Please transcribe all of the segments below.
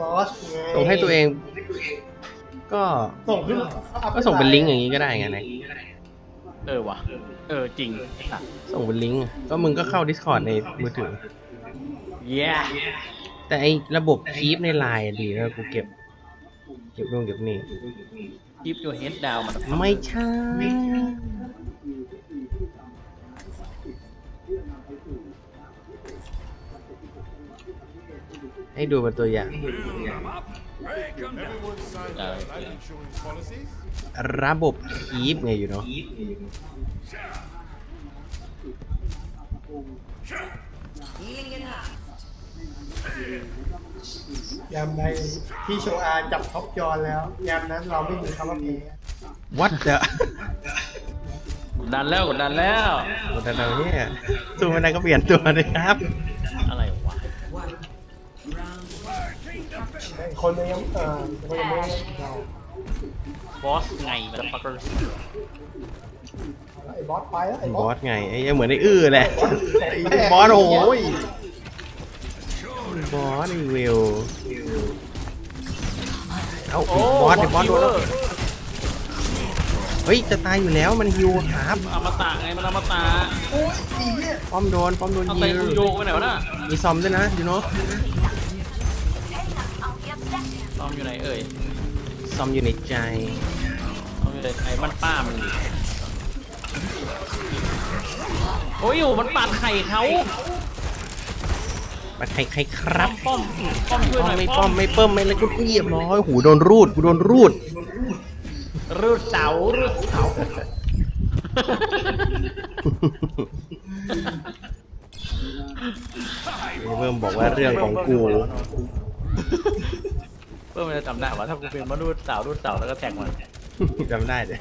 บอสไงส่งให้ตัวเอง ก็ส่งขึ้นก็ส่งเป็นลิงก์อย่างนี้ก็ได้ไงนะว่ะจริงส่งเป็นลิงก์ก็มึงก็เข้า Discord ในมือถือเย้แต่ไอระบบคีปในไลน์ดีนะกูเก็บนู่นเก็บนี่ keep your head down มันไม่ใช่ ให้ดูเป็นตัวอย่าง ระบบคีปไงอยู่เนาะยามใดที่โชอาจับท็อปจอนแล้วยามนั้นเราไม่มีคำว่าแพ้วัดจะกดดันแล้วกดดันแล้วเนี่ยสู้ไม่ได้ก็เปลี่ยนตัวเลยครับอะไรวะคนยังคนยังไม่เราบอสไงมันฟักเกอร์ไอ้บอสไปแล้วไอ้บบ ออสสไงไอ้เหมือนไอ้อื้อแหละไอ้บอสโอ้ยบอสไอ้วิวเอ้าบอสโดนแล้วเฮ้ยจะตายอยู่แล้วมันฮิวครับอมตะไงมันอมตะโอ้ยอีเนี่ยป้อมโดนเอายิใส่งกูโยกไปไหนวะน่ะมีซอมด้วยนะยูโน่ซอมอยู่ไหนเอ่ยซอมอยู่ในใจซอมอยู่ไหนไอ้มันป้ามันโอ้ยมันปาดไข่เขามาใครครับป้อมช่วยหน่อยไม่ป้อมไม่เปิ้มไม่เลยกูเรียบร้อยหูโดนรูดรูดเสารูดเสาเพิ่มบอกว่าเรื่องของกูเพื่อมันจะจำได้ว่าถ้ากูเป็นมารูดเสาแล้วก็แท็กมันจำได้เลย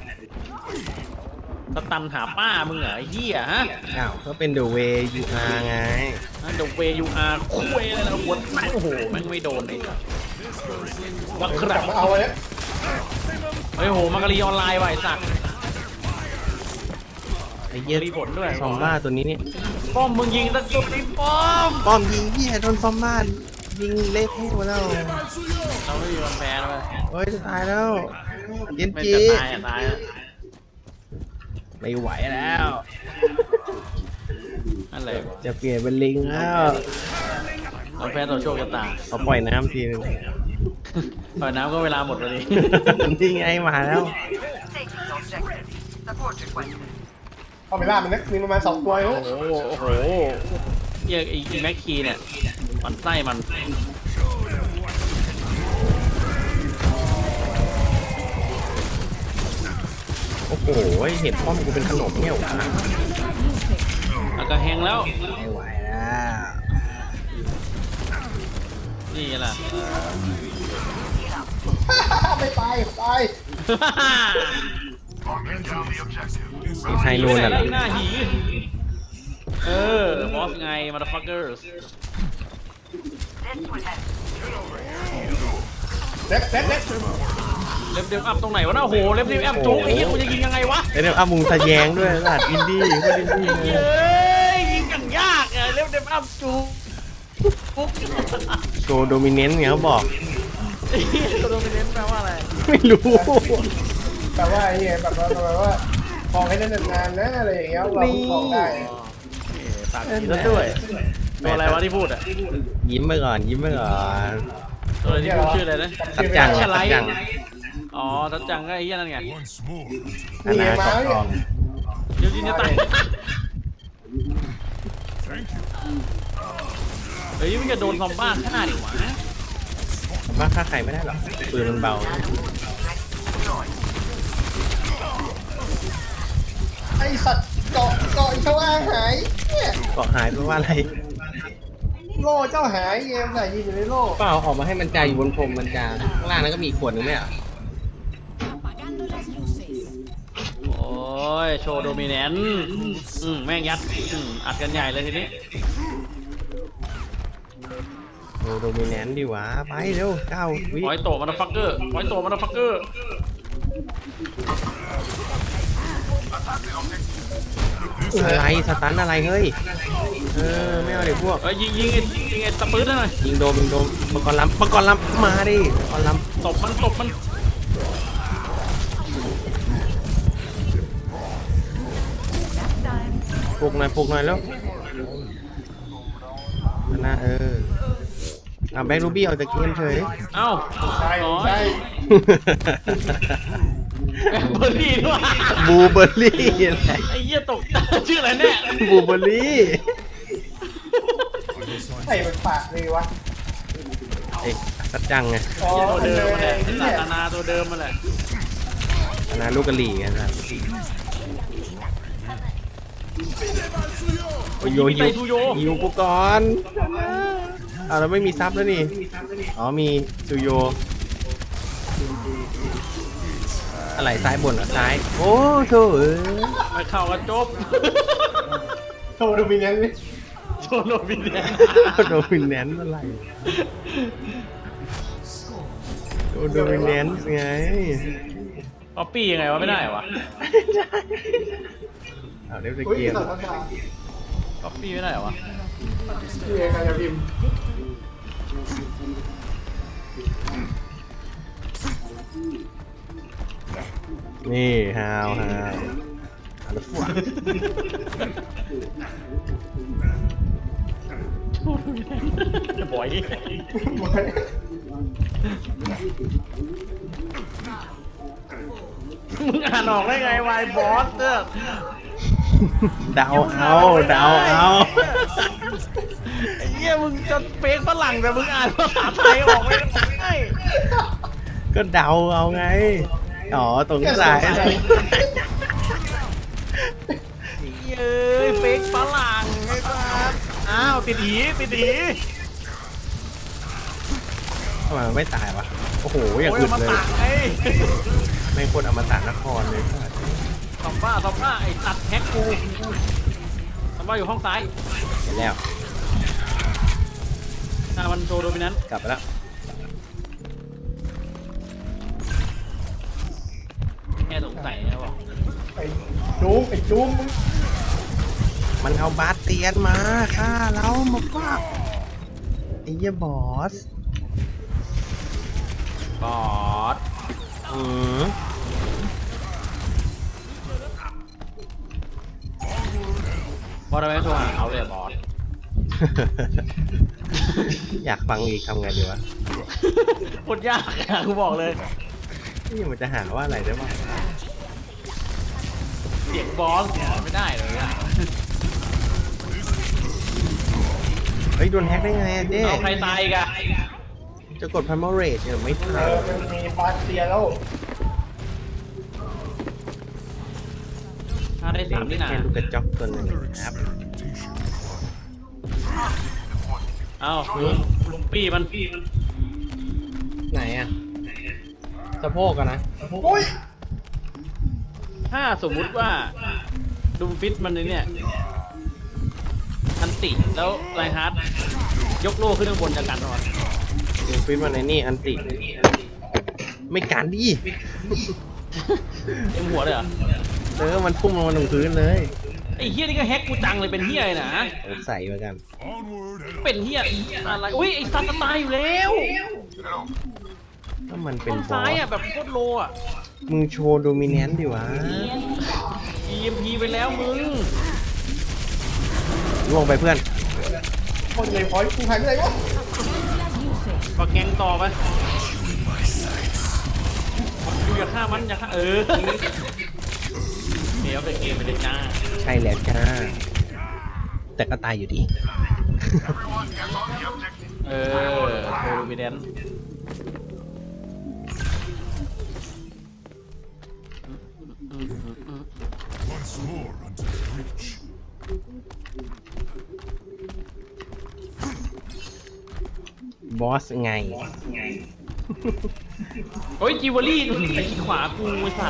สตันหาป้ามึงเหรอไอ้เหี้ยฮะอ้าวก็เป็น The Way You Are ไงเดอะเวยูอาร์คุยอะไรนะหัวโอ้โหแม่งไม่โดนเลยวักคกรัลับบมาเอาเลยเฮ้ยโหมังกรออนไลน์ว่ะไอ้สัตว์ไอ้เหี้ยมีผลด้วยซอมบ้าตัวนี้เนี่ยป้อมมึงยิงตะจุดไอ้ป้อมป้อมยิงที่โดนซอมบ้ายิงเละเทะหมดแล้วเราไม่มีวันแพ้นะเว้ยเฮ้ยจะตายแล้วเย็นไม่จีจะตายอ่ะตายอ่ะไม่ไหวแล้วอะไรวะจะเปลี่ยนเป็นลิงแล้วเราแพ้ต่อโชคชะตาเอาปล่อยน้ำทีนึงปล่อยน้ำก็เวลาหมดพอดีนี่ไงมาแล้วเข้าไปล่ามันนะมีประมาณ2 ตัวเนโอ้อะโหโอ้โหเหี้ยไอ้แม็กคีเนี่ยมันไส้มันโอ้โหเห็นป้อมกูเป็นขนมเนี่ยหวะแล้วก็แห้งแล้วไม่ไหวแล้วนี่ไงล่ะไม่ไปไทยนูนอ่ะเหรอหน้าหีบอสไง motherfuckers เล็บเล็บเดมอัพตรงไหนวะน่ะโอ้โหเล็บเดมอัพจุกไอ้เหี้ยกูจะยิงยังไงวะไอ้เนี่ยอามุงทะแยงด้วยลาดอินดี้ก็อินดี้เลยเย้ยยิงกันยากอะเล็บเดมอัพจุกปุ๊บโชว์โดมิเนนต์เนี่ยเขาบอกไอ้เหี้ยตัวโดมิเนนต์แปลว่าอะไรไม่รู้แต่ว่าไอ้เนี่ยแบบว่าคลองให้ได้นานๆนะอะไรอย่างเงี้ยเราคลองได้ปากดีแล้วด้วยตัวอะไรวะที่พูดอะยิ้มไปก่อนยิ้มไปก่อนตัวอะไรที่พูดชื่ออะไรนะสัจจังชะไลสัจจังอ๋อทัดจังก็ไอ้เหี้ยนั่นไงอนาคตทองเดี๋ยวยิงจะตายเฮ้ยมึงจะโดนซอมบ้าฆ่าดิวะว่าฆ่าใครไม่ได้หรอกปืนมันเบาไอสัตว์เกาะอีเจ้าอาหายเนี่ยเกาะหายเพราะว่าอะไรโล่เจ้าหายเกมใส่ยิงอยู่ในโล่เปล่าออกมาให้มันจ่ายอยู่บนพรมมันจาข้างล่างนั้นก็มีอีกขวดหนึงไหมอ่ะโอ้ยโชว์โดมิเนนต์แม่งยัดอัดกันใหญ่เลยทีนี้โอ้โดมิแนนต์ดีวะไปเร็ว9 วิปล่อยโตมันฟักเกอร์ปล่อยโตมันฟักเกอร์อะไรสตันอะไรเฮ้ยไม่เอาเดี๋ยวพวกเอ้ยยิงไอ้ตะปื้ดหน่อยยิงโดมมังกรลำมาดิมังกรลำตบมันปลุกหน่อยแล้วนะแบ็ครูบี้ออกจากเกมเฉยเอ้าใช่น้อยใช่เบอร์รี่ด้วยบูเบอร์รี่อะไรไอ้เหี้ยตกชื่ออะไรเนี่ยบูเบอร์รี่ใส่เป็นปากเลยวะเอ๊ะสัจจังไงอ๋อตัวเดิมเลมาแหละยศาสนาตัวเดิมมาแหละนะลูกกะหรี่กันนะโยฮิวโยยิวกูก่อนเราไม่มีซับแล้วนี่มีซูโยอะไรซ้ายบนเหรอซ้ายโอ้โถไปเข้ากันจบโชว์ดูมีนั้นเลยโชโนบินแดนโดมิเนนซ์อะไรโดมิเนนซ์ไงป๊อปปี้ยังไงวะไม่ได้วะเอาเดี๋ยวจะอุ้ยเกมสัตว์ภาษาป๊อปปี้ไม่ได้วะที่ใครจะพิมพ์นี่ฮาวแล้วฝัวโชโนบินแดนบ่อยมึงอ่านออกได้ไงวายบอสเนี่ยเดาเอาไอ้เหี้ยมึงจะเฟกฝรั่งแต่มึงอ่านภาษาไทยออกไม่ได้ก็เดาเอาไงตรงสายเย้ยเฟกฝรั่งไอ้สัสอ้าวติดหีทำไมมันไม่ตายวะโอ้โหอย่างโอ้ยอึดมาเลยตักไอ้ไม่ควรอมตะนครเลยทำบ้าไอ้ตัดแฮกกูทำบ้าอยู่ห้องซ้ายเห็นแล้วหน้ามันโชว์โดมินันต์กลับไปแล้วแค่สงสัยนะบอกไอ้จุ้มมึงมันเอาบาสเตียนมาฆ่าเรามาฟาดไอ้เหี้ยบอสบอส บอสทำไมไม่โทรหาเขาเลยบอสอยากฟังอีกทำไงดีวะโคตรยากอะกูบอกเลยนี่มันจะหาว่าอะไรได้บ้างเสียงบอสไม่ได้เลยอะเฮ้ยโดนแฮกได้ไงอะเจ๊เอาใครตายอีกอะจะกดพัมเมอร์เรทเนี่ยไม่ทันมันมีบาสเตียแล้วถ้าได้สามนี่นะแค่ลูกกระจอกตัวหนึงครับเอ้าลุงปี้มันไหนอะสะโพกอะนะโอ้ยถ้าสมมุติว่าดุมฟิตมันเนี่ยอันติแล้วไรฮาร์ดยกโล่ขึ้นข้างบนจากกันหรอดูฟิตมาในนี่อันติไม่การดิเต็มหัวเลยเหรอมันพุ่งลงมาลงพื้นเลยไอ้เฮียนี่ก็แฮกกูจังเลยเป็นเฮียเลยนะใส่เหมือนกันเป็นเฮียอะไรอุ้ยไอ้สัตว์ตายอยู่แล้วก็มันเป็ต้นนบอซ้ายสอ่ะแบบโคตรโลอ่ะมึงโชว์โดมิเนนต์ดิวะ EMP ไปแล้วมึงล่วงไปเพื่อนคนเลยพอยกูหายไปไหนวะก็แกงต่อไปอยู่อย่าฆ่ามันอย่าฆ่าเดี๋ยวเป็นเกมไปเลยจ้าใช่แล้วจ้า แต่ก็ตายอยู่ดีโทรมิเดนบอสไงโอ้ยจิวเวลรี่ไอ้ขวากูไอ้สัตว์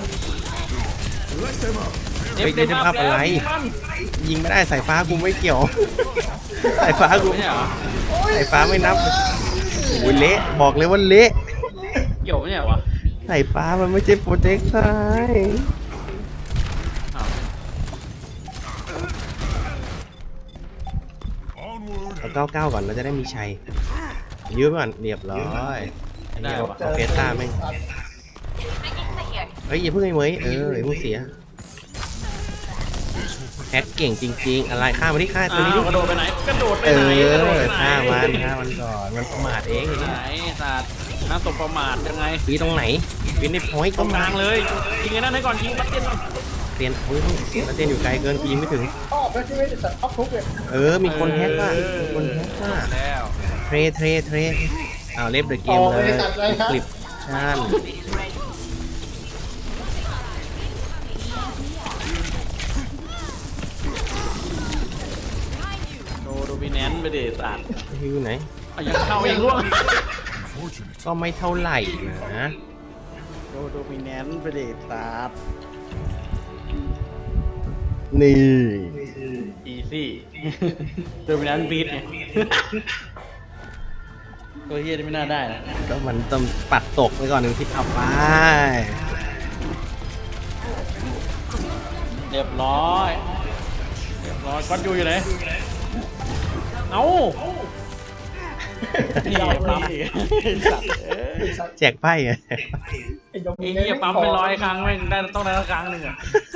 เฮ้ยได้ภาพอะไร ยิงไม่ได้สายฟ้ากูไม่เกี่ยว สายฟ้ากูไม่ใช่เหรอสายฟ้าไม่นับโอ้ยเละบอกเลยว่าเละเกี่ยวไม่ใช่เหรอวะสายฟ้ามันไม่ใช่โปรเจกต์ซ้ายอ้าว 99 ก่อนเราจะได้มีชัยยื้อก่อนเรียบร้อยอันนี้เอาเฟสต้าแม่งเฮ้ยอย่าเพิ่งไอ้เหมยอย่าเพิ่งเสียแฮกเก่งจริงๆอะไรฆ่ามาที่ฆ่าตัวนี้ดิกระโดดไปไหนกระโดดไปเอไหนกระโดดอไปไหนฆ่ามันก่อนมันประมาทเองไหนสัตว์น่าตกประมาทยังไงปีตรงไหนปีในพอยต์ตก็รงกมาลางเลยยิงไอ้นั่นให้ก่อนยิงบัตเตียนก่อนเตียนเฮ้ยแล้วเตียนอยู่ไกลเกินกูยิงไม่ถึงชอบแล้วใช่ไหมแต่ชอบทุกเลยมีคนแฮกว่ะมีคนแฮกว่ะแล้วเทรเอาเล็บเดอะเกมเลยคลิปชั่นโดมิแนนต์ไปดิสัตว์อยู่ไหนเอายังเข้ายังร่วงก็ไม่เท่าไหร่นะโดมิแนนต์ไปดิสัตว์นี่อีซี่โดมิแนนต์บีทไงตัวเฮียนี่ไม่น่าได้นะก็มันต้องปัดตกไปก่อนหนึ่งทิศเอาไปเรียบร้อยก้อนอยู่ไหนเอ้านี่ปั๊มอีกสัตว์เอ้ยแจกไพ่ไงไอ้ยมไอ้เหี้ยปั๊มเป็น100 ครั้งแม่งได้ต้องได้ละครั้งหนึ่งอะ